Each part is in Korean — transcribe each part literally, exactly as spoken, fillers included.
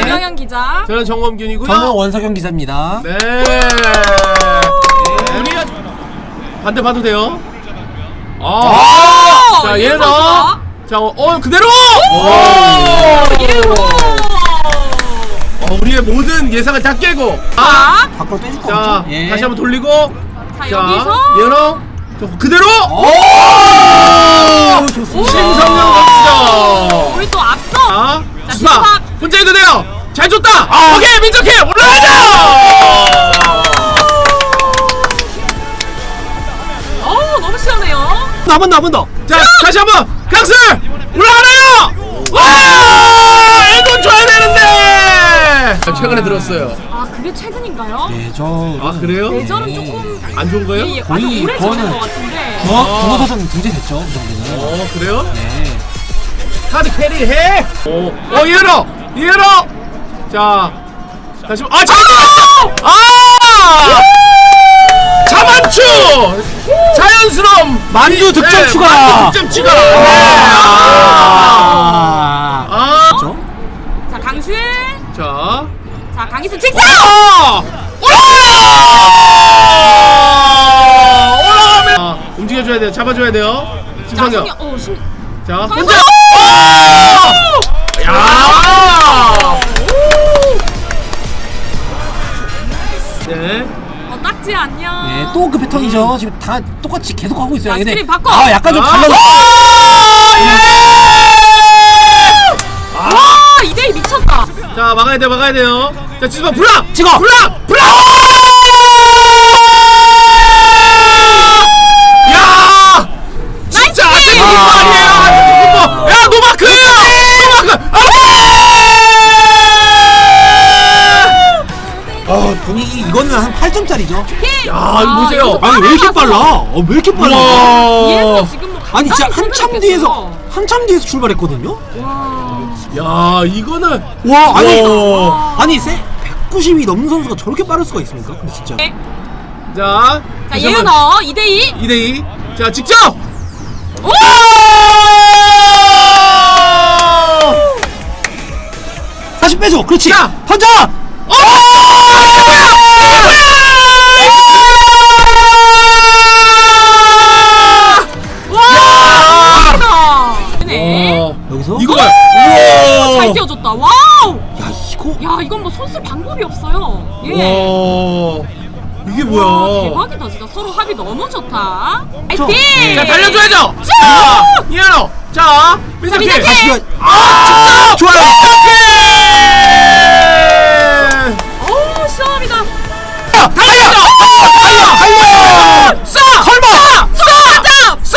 김영현 기자. 저는 정범균이고요. 저는 원석영 기자입니다. 네. 우리가 반대 봐도 돼요. 아, 자 얘는 자, 어, 어 그대로. 예로. 어, 우리의 모든 예상을 다 깨고. 자, 밖으로 떼줄 거 자, 없죠? 예. 다시 한번 돌리고. 자, 여기서 얘는 저 그대로. 오, 좋습니다. 심성영 선수죠. 우리 또 앞서. 자, 자, 주사 주사. 혼자 해도 돼요. 잘 줬다. 아. 오케이 민석해 올라가자. 어우, 너무 시원해요. 한 번 더, 한 번 더. 자, 다시 한번 강슬 올라가나요? 와, 이건 줘야 되는데. 최근에 들었어요. 아, 그게 최근인가요? 예전. 아 그래요? 예전은 조금 안 좋은 거예요? 예, 예, 거의 아주 오래 전인 그거는 것 같은데. 중어, 중어사전 등재됐죠, 그 정도는. 어 그래요? 네. 카드 캐리 해. 오, 어 이해로 이해로. 자, 다시 아 잠깐. 아, 자만추 자연스러움 만주 득점 네, 추가. 만주 득점 추가. 네. 아, 아. 그렇죠? 자, 강슬. 자, 자, 강희슬 직접. 아, 올라! 올라가면 아, 움직여줘야 돼요. 잡아줘야 돼요. 심성경. 자, 어, 신. 자, 선수! 혼자. 야! 네. 어, 딱지 안녕. 네, 또 그 패턴이죠. 지금 다 똑같이 계속 하고 있어요. 자, 근데 스크린 바꿔. 아, 약간 좀 아. 달라졌어. 와, 이 대이 미쳤다. 자, 막아야 돼, 막아야 돼요. 자, 지수봐, 블락! 찍어! 블락! 블락! 야! 진짜 아세이 나이스! 아니에요! 야, 노마크예요! 노마크! 아! 어, 분위기 이거는 한 팔 점짜리죠. 야, 이거 보세요. 아니 왜 이렇게 빨라? 어, 왜 이렇게 빨라? 뒤에서 지금 뭐 아니 진짜 간단히 한참 생각했어. 뒤에서 한참 뒤에서 출발했거든요. 와. 야, 이거는 와, 아니 와. 아니 세 백구십이 넘는 선수가 저렇게 빠를 수가 있습니까? 근데 진짜. 네. 자, 자, 예은어 이 대이. 이 대이. 자, 직접! 오! 다시 빼줘. 그렇지. 자. 던져. 어! 이게 뭐야! 이게 뭐야! 와! 네. 어, 여기서 이거 봐요. 잘 우와. 띄워줬다. 와우! 야 이거 야, 이건 뭐 손쓸 방법이 없어요. 예. 와. 이게 와, 뭐야? 대박이다. 진짜 서로 합이 너무 좋다. 저- 파이팅! 네. 자, 달려줘야죠. 자, 이현호. 자, 민석희. 민석희. 다시 이거 아, 좋아요. 민석희. 오, 시원합니다. 달려! 달려! 달려! 달려! 쏴! 설마! 쏴! 쏴! 쏴!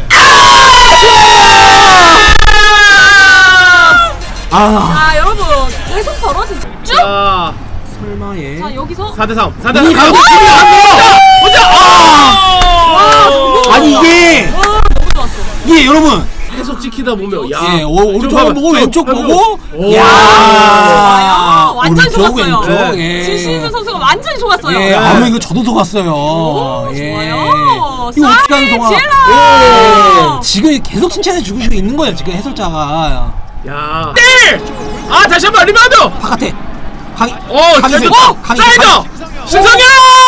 아 자, 여러분. 계속 벌어지죠? 쭉! 자, 설마의 자, 여기서 사 대 삼. 사 대 우리 삼. 가고 있습니다. 혼자! 아! 아니 이게 와, 너무 좋았어. 이게 여러분 계속 찍히다 보면 야. 예, 오, 오른쪽 좀 보고 봐봐. 왼쪽 좀 보고 오. 야 좋아요. 완전 오른쪽, 속았어요. 왼쪽, 네. 예. 진신수 선수가 완전히 속았어요. 예, 네. 아무 이거 저도 속았어요. 오, 예. 좋아요. 이거 어떻게 하는 쌀 동안 질러! 예. 지금 계속 칭찬해 주고 있는 거예요. 지금 해설자가 야. 네! 아, 다시 한번 리바운드. 바깥에 강희 어, 잘 강희슬, 줬다. 강희- 사이드. 신성현!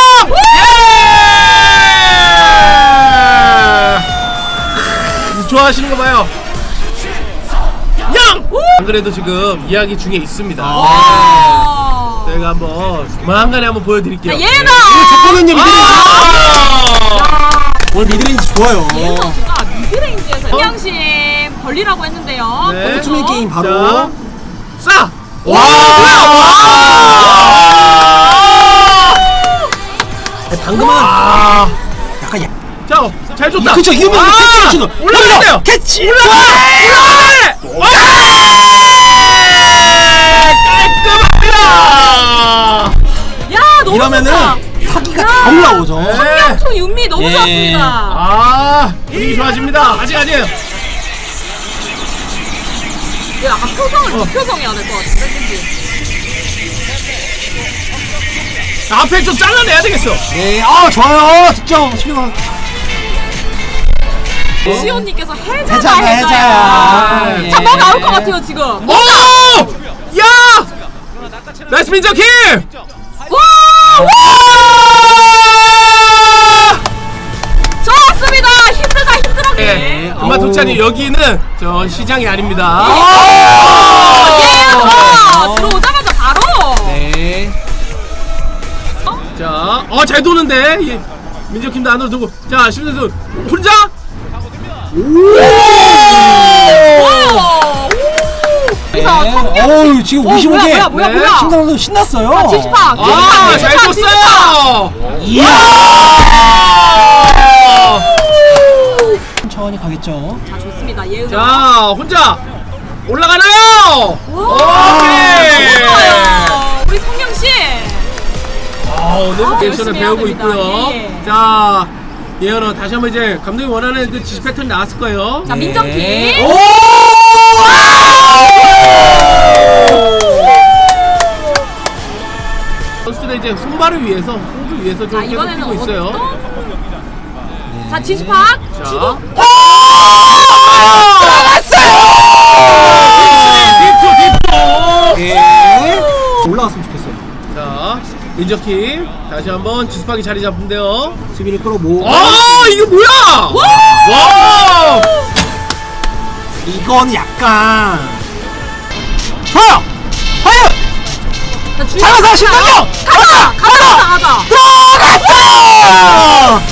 예! 좋아하시는 거 봐요. 양! 안 그래도 지금 이야기 중에 있습니다. 와. 저희가 한번 조만간에 한번 보여드릴게요. 자, 예은아! 첫번은요 미드레인지 아! 오늘 미드레인지 좋아요. 예은 선수가 미드레인지에서 이양심 벌리라고 했는데요. 네. 그래서 투맨 게임 바로 자, 쏴! 와! 방금은 아! 약간 야 자, 잘 줬다. 그쵸 이거면 아! 캐치 주는 올라가야 돼요. 캐치 올라가! 올라가! 깔끔합니다. 야, 너무 이러면은 좋다. 사기가 다 올라오죠. 네. 청량총 윤미 너무 예. 좋았습니다. 아, 분위기 좋아집니다. 아직 아니에요. 야, 아까 표정을 비표정해야 될 것 같은데, 그치? 앞에 좀 잘라내야 되겠어. 네, 아 좋아요. 득점 수비가 시온님께서 해자다, 해자야, 해자야. 해자야. 자, 뭐 예. 나올 것 같아요, 지금. 오! 야! 나이스 민정킴! 와! 좋았습니다. 힘들다 힘들었네. 네, 엄마 독찬이 여기는 저 시장이 아닙니다. 예! 와! 들어오자마자 바로. 네. 자, 어 잘 도는데 예, 민정킴도 안으로 두고 자 심선수 혼자. 와! 네. 성경 씨. 어우 지금 어, 오십오 개. 뭐야, 뭐야, 네. 뭐야. 심상 선수 신났어요. 아, 지지팍. 아, 잘 줬어요. 이야. 천천히 가겠죠. 자, 좋습니다. 예은아. 자, 혼자 올라가나요? 와! 오케이. 너무 좋아요. 우리 성경 씨. 아, 오늘 아, 액션을 열심히 배우고 해야 됩니다. 있고요. 예, 예. 자, 예언아 다시 한번 이제 감독이 원하는 그 지시 패턴 나왔을 거예요. 자, 네. 민정킴. 오! 선수들의 이제 손발을 위해서, 호흡을 위해서 좀 자, 계속 이번에는 뛰고 있어요. 어떤 자, 지수팍. 자, 주고. 디토, 디토. 예. 올라갔으면 좋겠어요. 자, 민정킴 다시 한번 지수팍이 자리 잡는데요. 수비를 끌어모으고. 아, 이게 뭐야? 와! 이건 약간. 좋아요. 과연 자, 주인. 잡아서 신동경. 가자! 가자! 가자! 들어갔어.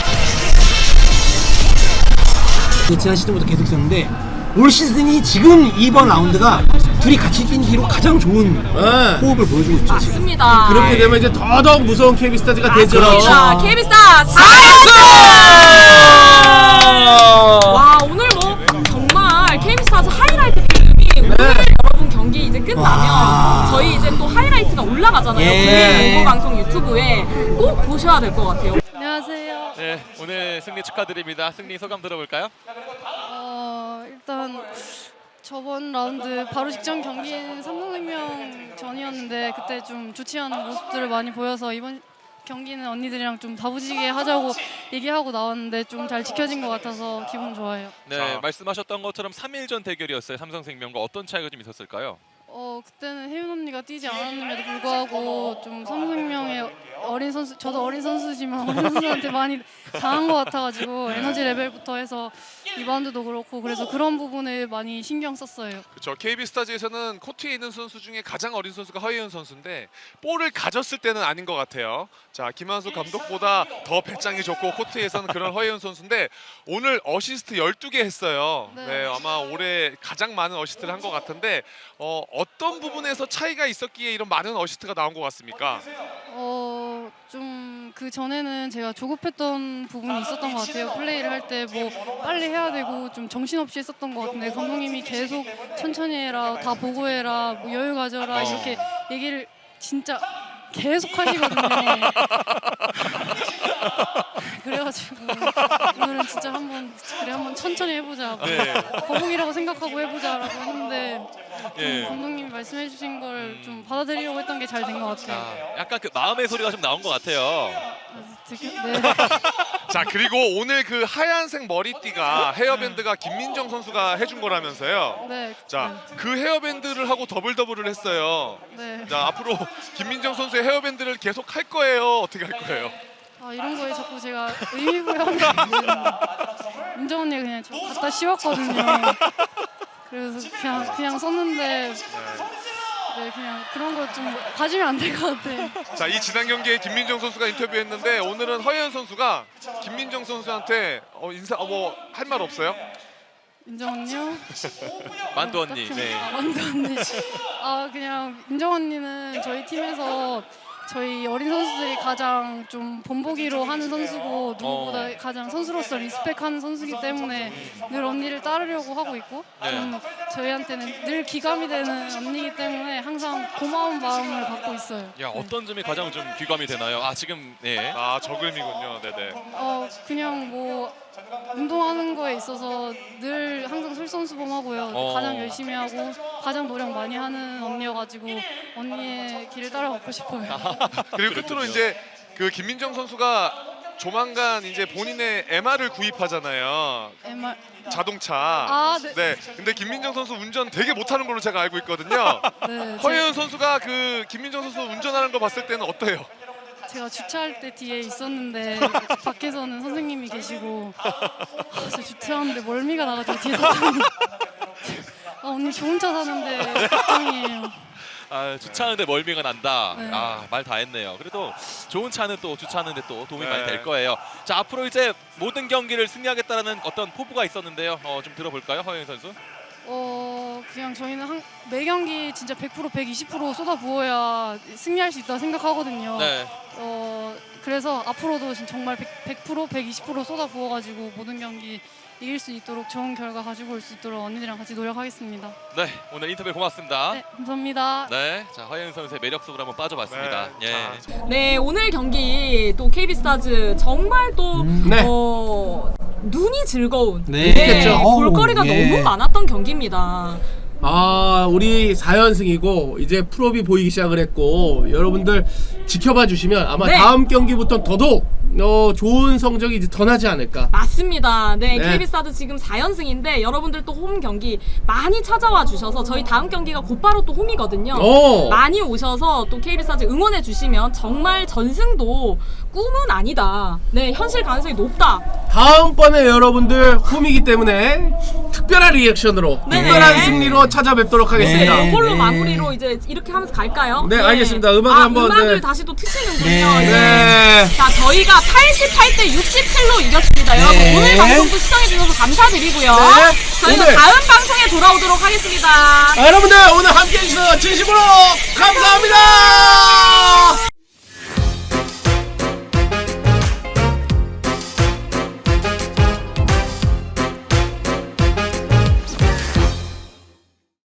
그 지난 시즌부터 계속 있었는데 올 시즌이 지금 이번 라운드가 둘이 같이 뛴 뒤로 가장 좋은 네. 호흡을 보여주고 있죠. 지금. 맞습니다. 그렇게 되면 이제 더더욱 무서운 케이비스타즈가 되죠. 맞습니다. 케이비스타 사 와, 오늘 뭐 정말 케이비스타즈 하이라이트 게임이 오늘 여러분 경기 이제 끝나면 와. 저희 이제 또 하이라이트가 올라가잖아요. 예. 국내 농구 방송 유튜브에 꼭 보셔야 될 것 같아요. 안녕하세요. 네, 오늘 승리 축하드립니다. 승리 소감 들어볼까요? 어, 일단 저번 라운드 바로 직전 경기인 삼성생명 전이었는데 그때 좀 좋지 않은 모습들을 많이 보여서 이번 경기는 언니들이랑 좀 다부지게 하자고 얘기하고 나왔는데 좀 잘 지켜진 것 같아서 기분 좋아요. 네, 말씀하셨던 것처럼 삼 일 전 대결이었어요. 삼성생명과 어떤 차이가 좀 있었을까요? 어, 그때는 혜윤 언니가 뛰지 않았음에도 불구하고 좀 삼성생명의 어린 선수, 저도 어린 선수지만 어린 선수한테 많이 당한 것 같아가지고 에너지 레벨부터 해서 리바운드도 그렇고 그래서 그런 부분을 많이 신경 썼어요. 그렇죠. 케이비스타즈에서는 코트에 있는 선수 중에 가장 어린 선수가 허예은 선수인데 볼을 가졌을 때는 아닌 것 같아요. 자, 김한수 감독보다 더 배짱이 좋고 코트에서는 그런 허예은 선수인데 오늘 어시스트 열두 개 했어요. 네. 네, 아마 올해 가장 많은 어시스트를 한 것 같은데 어, 어떤 부분에서 차이가 있었기에 이런 많은 어시스트가 나온 것 같습니까? 어, 좀 그 전에는 제가 조급했던 부분이 있었던 것 같아요. 플레이를 할 때 뭐 빨리 해야 되고 좀 정신없이 했었던 것 같은데 감독님이 계속 천천히 해라, 다 보고 해라, 뭐 여유 가져라 이렇게 얘기를 진짜 계속 하시거든요. 그래가지고 오늘은 진짜 한번 그래 한번 천천히 해보자. 네. 거북이라고 생각하고 해보자라고 했는데 좀 예. 감독님이 말씀해주신 걸 좀 받아들이려고 했던 게 잘 된 것 같아요. 아, 약간 그 마음의 소리가 좀 나온 것 같아요. 되게- 네. 자, 그리고 오늘 그 하얀색 머리띠가 헤어밴드가 김민정 선수가 해준 거라면서요. 네. 자, 그 헤어밴드를 하고 더블 더블을 했어요. 네. 자, 앞으로 김민정 선수의 헤어밴드를 계속 할 거예요? 어떻게 할 거예요? 아, 이런 거에 자꾸 제가 의미 부여하면 민정 언니가 그냥 저 갖다 씌웠거든요. 그래서 그냥 그냥 썼는데 네, 그냥 그런 거 좀 가지면 안 될 것 같아. 자, 이 지난 경기에 김민정 선수가 인터뷰했는데 오늘은 허예은 선수가 김민정 선수한테 어, 인사 어, 뭐 할 말 없어요? 민정 언니요? 만두 언니. 딱히- 네. 아, 만두 언니. 아, 그냥 민정 언니는 저희 팀에서 저희 어린 선수들이 가장 좀 본보기로 하는 선수고 누구보다 어. 가장 선수로서 리스펙하는 선수이기 때문에 늘 언니를 따르려고 하고 있고 네. 좀 저희한테는 늘 기감이 되는 언니이기 때문에 항상 고마운 마음을 갖고 있어요. 야, 어떤 점이 가장 좀 귀감이 되나요? 아, 지금 네. 아, 저글미군요. 네네. 어, 그냥 뭐 운동하는 거에 있어서 늘 항상 솔선수범하고요. 어. 가장 열심히 하고 가장 노력 많이 하는 언니여가지고 언니의 길을 따라가고 싶어요. 그리고 끝으로 이제 그 김민정 선수가 조만간 이제 본인의 엠알을 구입하잖아요. 엠알 자동차. 아, 네. 네. 근데 김민정 선수 운전 되게 못하는 걸로 제가 알고 있거든요. 네, 허예은 선수가 그 김민정 선수 운전하는 거 봤을 때는 어때요? 제가 주차할 때 뒤에 있었는데 밖에서는 선생님이 계시고 아, 저 주차하는데 멀미가 나가지고 뒤에 탔더니 아, 언니 좋은 차 사는데 걱정이에요. 아, 주차하는데 멀미가 난다. 네. 아, 말 다 했네요. 그래도 좋은 차는 또 주차하는데 또 도움이 네. 많이 될 거예요. 자, 앞으로 이제 모든 경기를 승리하겠다는 어떤 포부가 있었는데요. 어, 좀 들어볼까요, 허예은 선수? 어 그냥 저희는 한, 매 경기 진짜 백 퍼센트 백이십 퍼센트 쏟아부어야 승리할 수 있다 생각하거든요. 네. 어 그래서 앞으로도 진- 정말 백 퍼센트 백이십 퍼센트 쏟아부어가지고 모든 경기 이길 수 있도록 좋은 결과 가지고 올 수 있도록 언니들이랑 같이 노력하겠습니다. 네, 오늘 인터뷰 고맙습니다. 네, 감사합니다. 네, 자, 허예은 선수의 매력 속으로 한번 빠져봤습니다. 네, 예. 자, 네, 오늘 경기 또 케이비스타즈 정말 또 네. 어, 눈이 즐거운 네. 네, 어우, 볼거리가 예. 너무 많았던 경기입니다. 아, 우리 사 연승이고 이제 프로비 보이기 시작을 했고 여러분들 지켜봐 주시면 아마 네. 다음 경기부터 더더욱 어, 좋은 성적이 이제 더 나지 않을까. 맞습니다. 네, 네. 케이비스타즈 지금 사 연승인데 여러분들 또 홈 경기 많이 찾아와 주셔서 저희 다음 경기가 곧바로 또 홈이거든요. 오. 많이 오셔서 또 케이비스타즈 응원해 주시면 정말 전승도 꿈은 아니다. 네, 현실 가능성이 높다. 다음번에 여러분들 홈이기 때문에 특별한 리액션으로 네. 특별한 승리로 찾아뵙도록 하겠습니다. 네, 이걸로 네. 마무리로 이제 이렇게 하면서 갈까요? 네, 알겠습니다. 음악을 아, 한번, 음악을 네. 다시 또 트시는군요. 네. 네. 자, 저희가 팔십팔 대 육십칠로 이겼습니다. 네. 여러분 오늘 방송도 시청해주셔서 감사드리고요. 네. 저희는 오늘. 다음 방송에 돌아오도록 하겠습니다. 아, 여러분들 오늘 함께 해주셔서 진심으로 감사합니다.